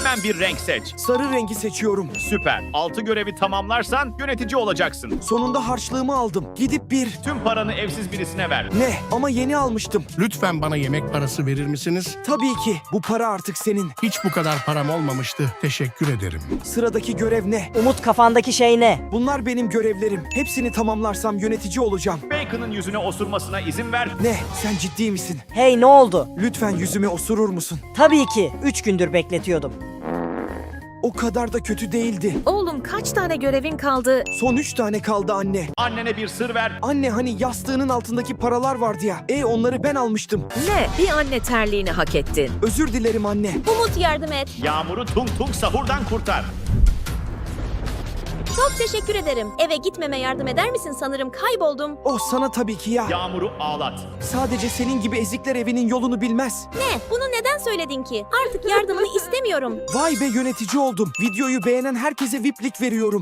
Hemen bir renk seç. Sarı rengi seçiyorum. Süper. 6 görevi tamamlarsan yönetici olacaksın. Sonunda harçlığımı aldım. Gidip bir... Tüm paranı evsiz birisine ver. Ne? Ama yeni almıştım. Lütfen bana yemek parası verir misiniz? Tabii ki. Bu para artık senin. Hiç bu kadar param olmamıştı. Teşekkür ederim. Sıradaki görev ne? Umut, kafandaki şey ne? Bunlar benim görevlerim. Hepsini tamamlarsam yönetici olacağım. Bacon'ın yüzüne osurmasına izin ver. Ne? Sen ciddi misin? Hey, ne oldu? Lütfen yüzüme osurur musun? Tabii ki. 3 gündür bekletiyordum. O kadar da kötü değildi. Oğlum kaç tane görevin kaldı? Son 3 tane kaldı anne. Annene bir sır ver. Anne hani yastığının altındaki paralar vardı ya. Onları ben almıştım. Ne? Bir anne terliğini hak ettin. Özür dilerim anne. Umut yardım et. Yağmur'u tung tung sahurdan kurtar. Çok teşekkür ederim. Eve gitmeme yardım eder misin? Sanırım kayboldum. Oh sana tabii ki ya. Yağmur'u ağlat. Sadece senin gibi ezikler evinin yolunu bilmez. Ne? Bunu neden söyledin ki? Artık yardımını istemiyorum. Vay be yönetici oldum. Videoyu beğenen herkese VIP'lik veriyorum.